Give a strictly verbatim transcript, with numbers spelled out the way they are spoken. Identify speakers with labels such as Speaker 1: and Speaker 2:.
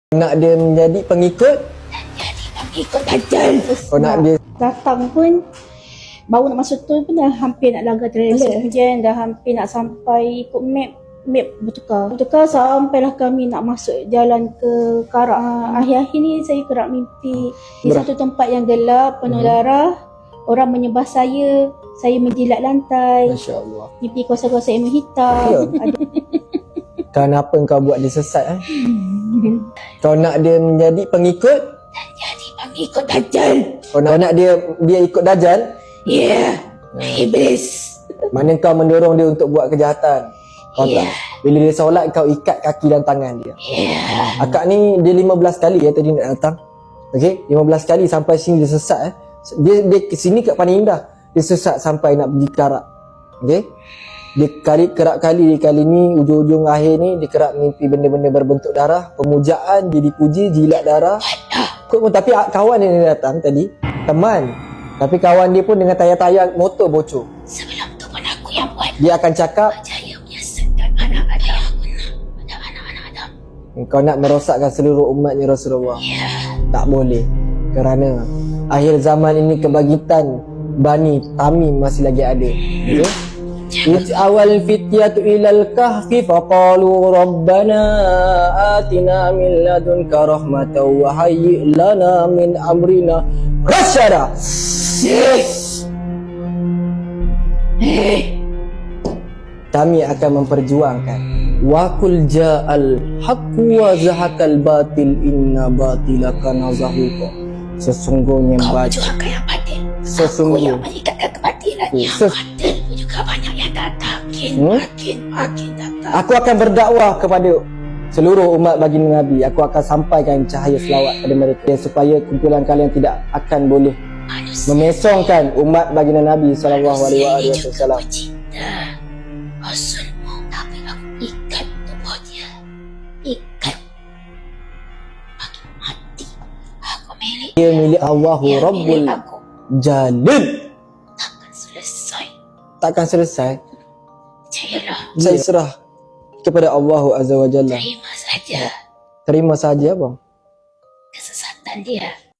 Speaker 1: Nak dia menjadi pengikut?
Speaker 2: Jadi pengikut Dajjal.
Speaker 1: Kau nak dia
Speaker 2: Datang pun baru nak masuk tu pun dah hampir nak langgar trailer. Kemudian dah hampir nak sampai ikut map. Map bertukar. Bertukar sampailah kami nak masuk jalan ke Karak. Ha, akhir-akhir ni saya kerap mimpi di
Speaker 1: Ber-
Speaker 2: satu tempat yang gelap, penuh
Speaker 1: Hmm.
Speaker 2: darah. Orang menyembah saya. Saya menjilat lantai.
Speaker 1: Masya Allah.
Speaker 2: Mimpi kuasa-kuasa ilmu hitam.
Speaker 1: Ya.
Speaker 2: Ada
Speaker 1: Kenapa kau buat dia sesat eh? Kau nak dia menjadi pengikut?
Speaker 2: jadi pengikut Dajjal.
Speaker 1: Kau nak, kau nak dia dia ikut Dajjal?
Speaker 2: Ya. Yeah. Iblis.
Speaker 1: Mana kau mendorong dia untuk buat kejahatan? Kau
Speaker 2: Ya.
Speaker 1: tak? Bila dia solat kau ikat kaki dan tangan dia.
Speaker 2: Ya.
Speaker 1: Akak ni dia lima belas kali ya tadi nak datang. Okey, lima belas kali sampai sini dia sesat eh. Dia dia ke sini kat Paling Indah. Dia sesat sampai nak pergi Karak. Okey. Dia kali kerap kali kali ni ujung-ujung akhir ni dia kerap mimpi benda-benda berbentuk darah, pemujaan, dia dipuji, jilat darah. Kau pun tapi kawan dia datang tadi, teman. Tapi kawan dia pun dengan tayar-tayar motor bocor.
Speaker 2: Sebelum tu pun aku yang buat.
Speaker 1: Dia akan cakap,
Speaker 2: Percaya menyesetkan anak Adam. Pada anak-anak Adam.
Speaker 1: kau nak merosakkan seluruh umatnya Rasulullah.
Speaker 2: Ya.
Speaker 1: Tak boleh. Kerana akhir zaman ini kebangkitan Bani Tamim masih lagi ada. Ya. Iz awal fityatu ilal kahfi faqalu rabbana atina min ladunka rahmatan wa hayyi lana min amrina rasyada. Yes.
Speaker 2: Hei.
Speaker 1: Kami akan memperjuangkan wa qul ja'al haqqu wa zahaqal batil inna batila kana zahuqa. Sesungguhnya
Speaker 2: Kau
Speaker 1: batil,
Speaker 2: perjuangkan yang batil. Aku
Speaker 1: sesungguhnya
Speaker 2: yang meningkatkan kebatilan. Yang
Speaker 1: Ses-
Speaker 2: batil pun juga banyak yang datang. Makin,
Speaker 1: Hmm?
Speaker 2: makin, makin datang.
Speaker 1: Aku akan berdakwah kepada seluruh umat baginda Nabi. Aku akan sampaikan cahaya selawat kepada mereka supaya kumpulan kalian tidak akan boleh
Speaker 2: Manusia
Speaker 1: memesongkan umat baginda Nabi sallallahu
Speaker 2: Manusia
Speaker 1: alaihi
Speaker 2: ini juga
Speaker 1: wasallam.
Speaker 2: bercinta Rasulmu. Tapi aku ikat tubuhnya. Ikat. Makin mati. Aku milik.
Speaker 1: Dia milik Allahu
Speaker 2: Yang
Speaker 1: Rabbul
Speaker 2: milik aku
Speaker 1: Jalil.
Speaker 2: takkan selesai.
Speaker 1: Takkan selesai.
Speaker 2: Percayalah.
Speaker 1: Saya serah kepada Allahu Azza wa Jalla.
Speaker 2: Terima saja
Speaker 1: Terima saja bang.
Speaker 2: kesesatan dia.